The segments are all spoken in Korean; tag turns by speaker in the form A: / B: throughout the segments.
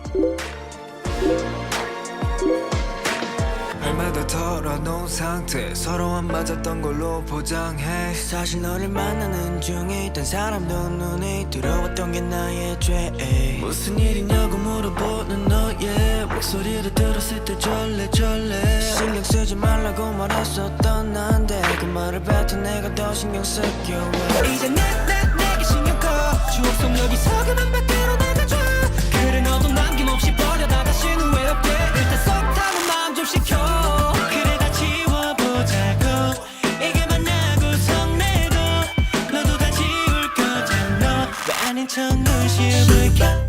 A: 얼마 더 털어놓은 상태 서로 안 맞았던 걸로 포장해. 사실 너를 만나는 중에 있던 사람도 눈에 들어왔던 게 나의 죄. 무슨 일이냐고 물어보는 너의 목소리를 들었을 때 절레절레. 신경 쓰지 말라고 말했었던 난데 그 말을 뱉어 내가 더 신경 쓸게. 왜 이제 내게 신경 꺼. 추억 속 여기서 그만 밖으로 나가줘. 그래 너도 남김없이 버려다 다시는 왜 없게. 일단 속 타는 마음 좀 식혀. 그래 다 지워보자고. 이게 만나고 성내도 너도 다 지울 거잖아. 왜 아닌 척 눈치볼까.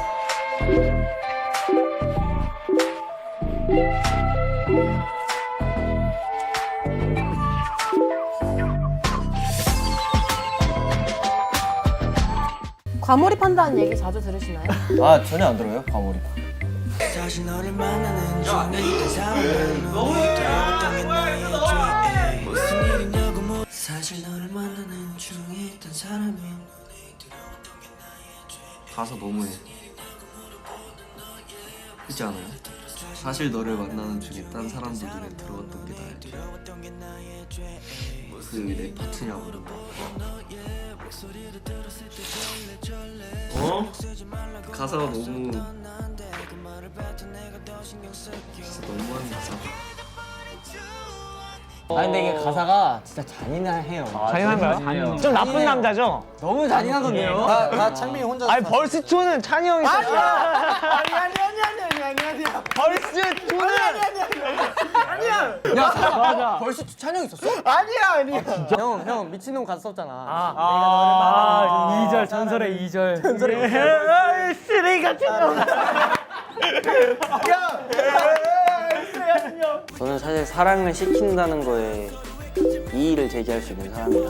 B: 과몰입한다는 얘기 자주 들으시나요?
C: 아 전혀 안 들어요 과몰입.
A: 사실 너를 만나는 중에 있던 사람은 눈에 들어왔던 게 나의 죄. 무슨 일이냐고 사실 너를 만나는 중에 있던 사람은 눈에 들어왔던 게 나의 죄.
D: 가사 너무해. 그렇지 않아요? 사실 너를 만나는 중에 딴 사람들 눈에 들어왔던 게 나의 죄. 그게 내 파트냐고. 어? 가사가 너무 진짜 너무한 가사다.
C: 아 근데 이게 가사가 진짜 잔인해요.
E: 잔인한가요? 좀 나쁜 남자죠?
C: 너무 잔인하던데요.
F: 다 창민이 혼자.
E: 아니 벌스초는 찬이 형이 썼어요.
F: 아니.
E: 벌스초는
C: 야 벌써 찬영 있었어?
F: 아니야.
C: 형 미친놈 가사 썼잖아.
E: 2절 전설의 2절. 전설의 쓰레기 같은 놈.
G: 저는 사실 사랑을 시킨다는 거에 이의를 제기할 수 있는 사람이라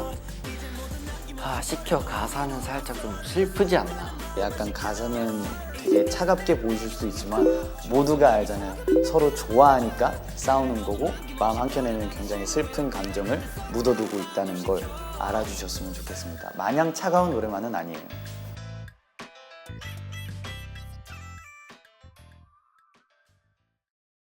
G: 시켜 가사는 살짝 좀 슬프지 않나.
F: 약간 가사는 되게 차갑게 보이실 수 있지만 모두가 알잖아요. 서로 좋아하니까 싸우는 거고 마음 한켠에는 굉장히 슬픈 감정을 묻어두고 있다는 걸 알아주셨으면 좋겠습니다. 마냥 차가운 노래만은 아니에요.